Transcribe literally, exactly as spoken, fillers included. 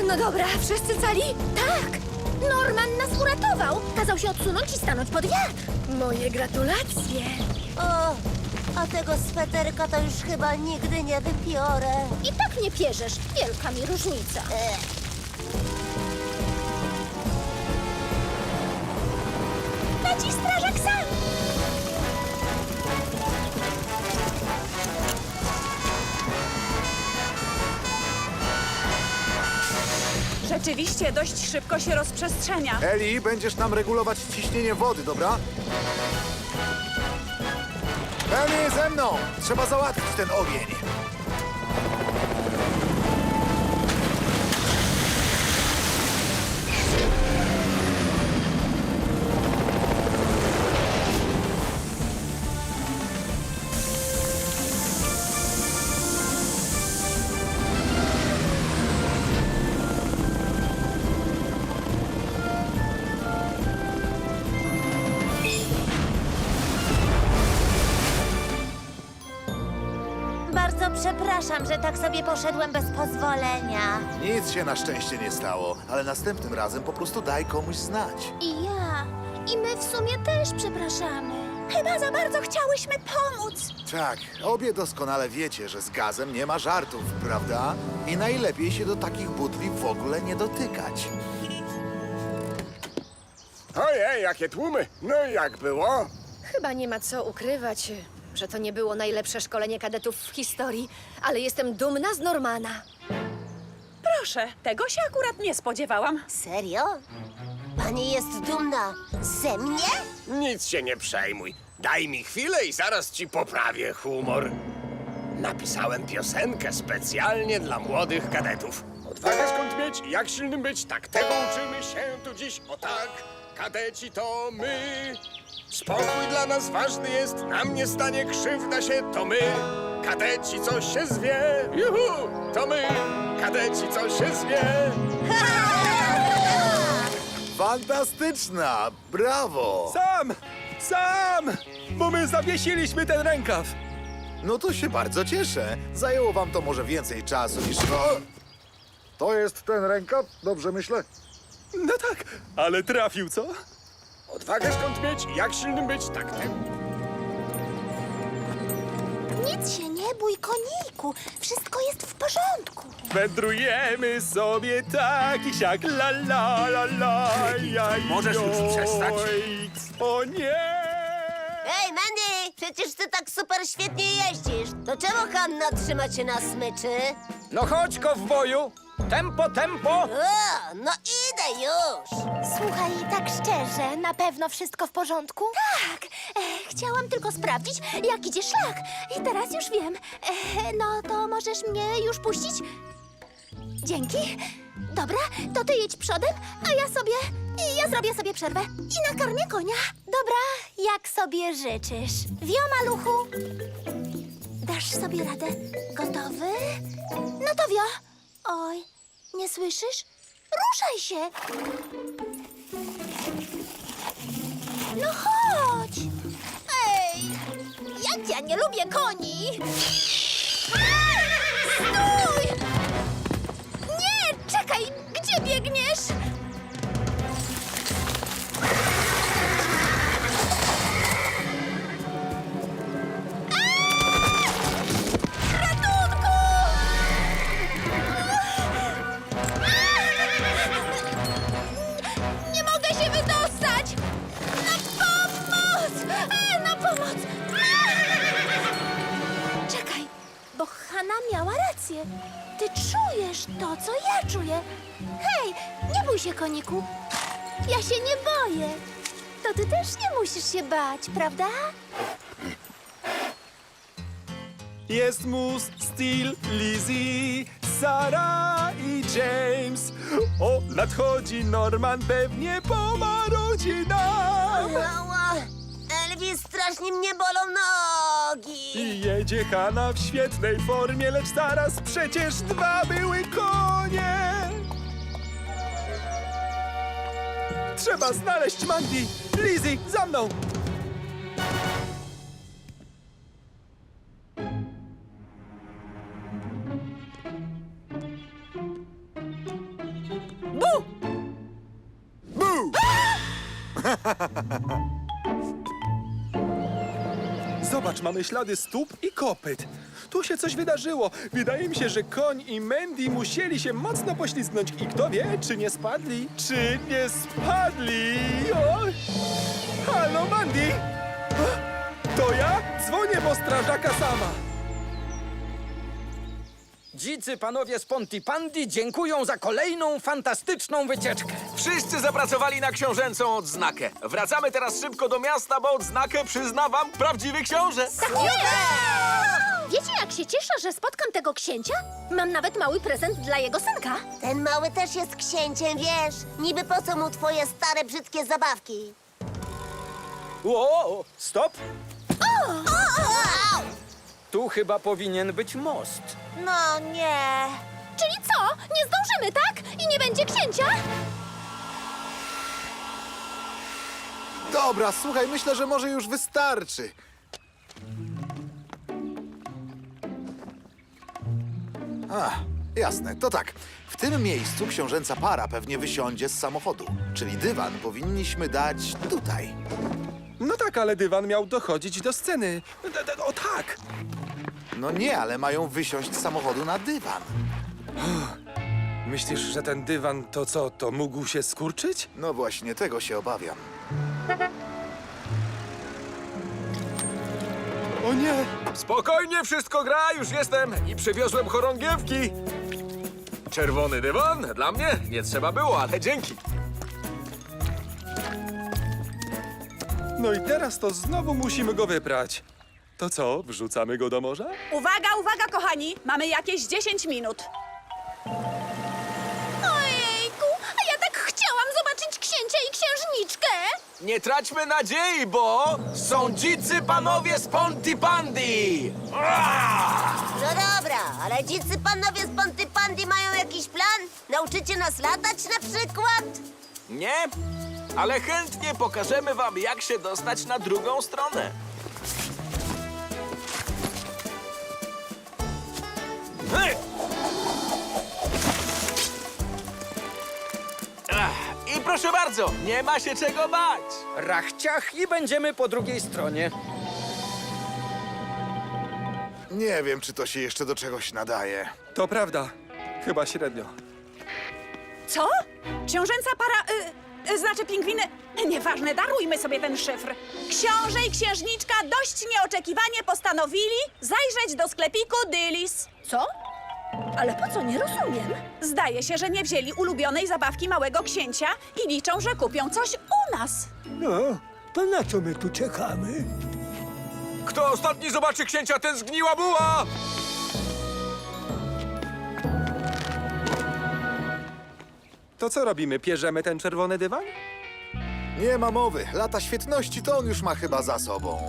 No dobra, wszyscy cali? Tak! Norman nas uratował! Kazał się odsunąć i stanąć pod wiatr. Moje gratulacje. O, a tego sweterka to już chyba nigdy nie wypiorę. I tak nie pierzesz. Wielka mi różnica. Ech. Leci strażak sam! Rzeczywiście dość szybko się rozprzestrzenia. Eli, będziesz nam regulować ciśnienie wody, dobra? Eli, ze mną! Trzeba załatwić ten ogień. Bardzo przepraszam, że tak sobie poszedłem bez pozwolenia. Nic się na szczęście nie stało, ale następnym razem po prostu daj komuś znać. I ja. I my w sumie też przepraszamy. Chyba za bardzo chciałyśmy pomóc. Tak, obie doskonale wiecie, że z gazem nie ma żartów, prawda? I najlepiej się do takich butli w ogóle nie dotykać. Ojej, jakie tłumy! No i jak było? Chyba nie ma co ukrywać, że to nie było najlepsze szkolenie kadetów w historii, ale jestem dumna z Normana. Proszę, tego się akurat nie spodziewałam. Serio? Pani jest dumna ze mnie? Nic się nie przejmuj. Daj mi chwilę i zaraz ci poprawię humor. Napisałem piosenkę specjalnie dla młodych kadetów. Odwagę skąd mieć i jak silnym być, tak tego uczymy się tu dziś. O tak, kadeci to my. Spokój dla nas ważny jest, nam nie stanie krzywda się, to my. Kadeci, co się zwie, juhu, to my. Kadeci, co się zwie. Fantastyczna! Brawo! Sam! Sam! Bo my zawiesiliśmy ten rękaw. No to się bardzo cieszę. Zajęło wam to może więcej czasu niż... O! To jest ten rękaw? Dobrze myślę? No tak, ale trafił, co? Odwagę skąd mieć i jak silnym być, tak ten. Nic się nie bój, koniku. Wszystko jest w porządku. Wędrujemy sobie tak i siak, la la la la, jaj, Możesz już joj. przestać? O nie! Ej, Mandy! Przecież ty tak super świetnie jeździsz. To czemu Hanna trzyma cię na smyczy? No chodź, kowboju! Tempo, tempo! O, no idę już! Słuchaj, tak szczerze, na pewno wszystko w porządku? Tak! E, chciałam tylko sprawdzić, jak idzie szlak. I teraz już wiem. E, no to możesz mnie już puścić? Dzięki. Dobra, to ty jedź przodem, a ja sobie... Ja zrobię sobie przerwę i nakarmię konia. Dobra, jak sobie życzysz. Wio, maluchu. Dasz sobie radę. Gotowy? No to wio. Oj, nie słyszysz? Ruszaj się. No chodź. Ej, jak ja nie lubię koni. Stój! Nie, czekaj, gdzie biegniesz? Ratunku! Nie mogę się wydostać! Na pomoc! E, na pomoc! Czekaj, bo Hanna miała rację. Ty czujesz to, co ja czuję. Hej, nie bój się, koniku. Ja się nie boję. To ty też nie musisz się bać, prawda? Jest mus, Steel, Lizzie, Sara i James. O, nadchodzi Norman, pewnie pomarodzi nam. Ała, Elvis, strasznie mnie bolą nogi. I jedzie Hanna w świetnej formie, lecz zaraz przecież dwa były konie. Trzeba znaleźć Mandy. Lizzie, za mną. Zobacz, mamy ślady stóp i kopyt. Tu się coś wydarzyło. Wydaje mi się, że koń i Mandy musieli się mocno poślizgnąć. I kto wie, czy nie spadli? Czy nie spadli? O! Halo, Mandy! To ja? Dzwonię po strażaka sama. Dzicy panowie z Pontypandy dziękują za kolejną fantastyczną wycieczkę. Wszyscy zapracowali na książęcą odznakę. Wracamy teraz szybko do miasta, bo odznakę przyzna wam prawdziwy książę. Wiecie, jak się cieszę, że spotkam tego księcia? Mam nawet mały prezent dla jego synka. Ten mały też jest księciem, wiesz? Niby po co mu twoje stare, brzydkie zabawki? O, stop! Au! Tu chyba powinien być most. No nie. Czyli co? Nie zdążymy, tak? I nie będzie księcia? Dobra, słuchaj, myślę, że może już wystarczy. A, jasne, to tak. W tym miejscu książęca para pewnie wysiądzie z samochodu. Czyli dywan powinniśmy dać tutaj. No tak, ale dywan miał dochodzić do sceny. D- d- O tak! No nie, ale mają wysiąść z samochodu na dywan. Myślisz, że ten dywan to co, to mógł się skurczyć? No właśnie, tego się obawiam. O nie! Spokojnie, wszystko gra, już jestem i przywiozłem chorągiewki. Czerwony dywan dla mnie nie trzeba było, ale dzięki. No i teraz to znowu musimy go wyprać. To co, wrzucamy go do morza? Uwaga, uwaga, kochani! Mamy jakieś dziesięć minut. Ojejku, a ja tak chciałam zobaczyć księcia i księżniczkę. Nie traćmy nadziei, bo są dzicy panowie z Pontypandy. No dobra, ale dzicy panowie z Pontypandy mają jakiś plan? Nauczycie nas latać na przykład? Nie, ale chętnie pokażemy wam, jak się dostać na drugą stronę. Hej! Ach, I proszę bardzo, nie ma się czego bać. Rachciach i będziemy po drugiej stronie. Nie wiem, czy to się jeszcze do czegoś nadaje. To prawda. Chyba średnio. Co? Książęca para... Y, y, znaczy pingwiny... Nieważne, darujmy sobie ten szyfr. Książę i księżniczka dość nieoczekiwanie postanowili zajrzeć do sklepiku Dillis. Co? Ale po co? Nie rozumiem. Zdaje się, że nie wzięli ulubionej zabawki małego księcia i liczą, że kupią coś u nas. No, to na co my tu czekamy? Kto ostatni zobaczy księcia, ten zgniła buła! To co robimy? Pierzemy ten czerwony dywan? Nie ma mowy. Lata świetności to on już ma chyba za sobą.